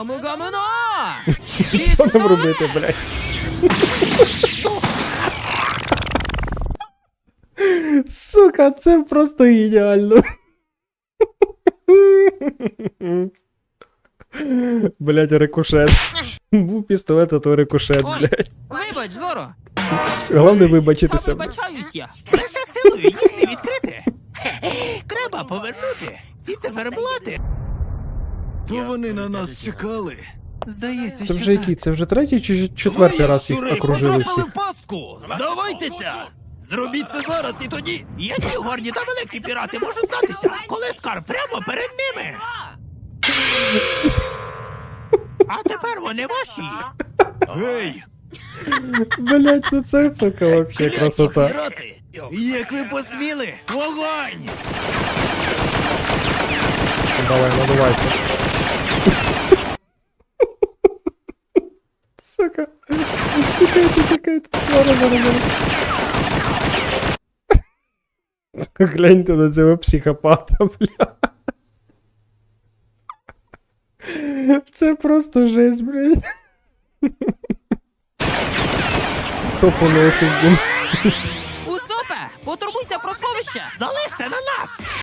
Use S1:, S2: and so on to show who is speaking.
S1: Що нам робити, блядь? Сука, це просто геніально. Блядь, рикошет. Був пістолет, а то рикошет, блядь.
S2: Вибач, Зоро.
S1: Головне вибачитися.
S2: Вибачаюся.
S3: Лише силою їх не відкрити. Треба повернути ці циферблати.
S4: То вони на нас чекали.
S3: Здається,
S1: Це
S3: що
S1: вже
S3: так.
S1: який? Це вже третій чи четвертий раз їх окружили всіх?
S2: в пастку. Здавайтеся. Зробіть це зараз і тоді.
S3: Які горні та великі пірати можуть здатися, коли скарб прямо перед ними? А тепер вони ваші.
S4: Гей,
S1: Блядь, ну це, сука, вообще красота.
S2: Пірати.
S3: Як ви посміли? Вогонь!
S1: Давай, надувайся. Сука. Тікайте. Зараз. Гляньте на цього психопата, бля. Це просто жесть, блядь. Хто поносить, блін.
S2: Усопе, потурбуйся про сховище.
S3: Залишся на нас!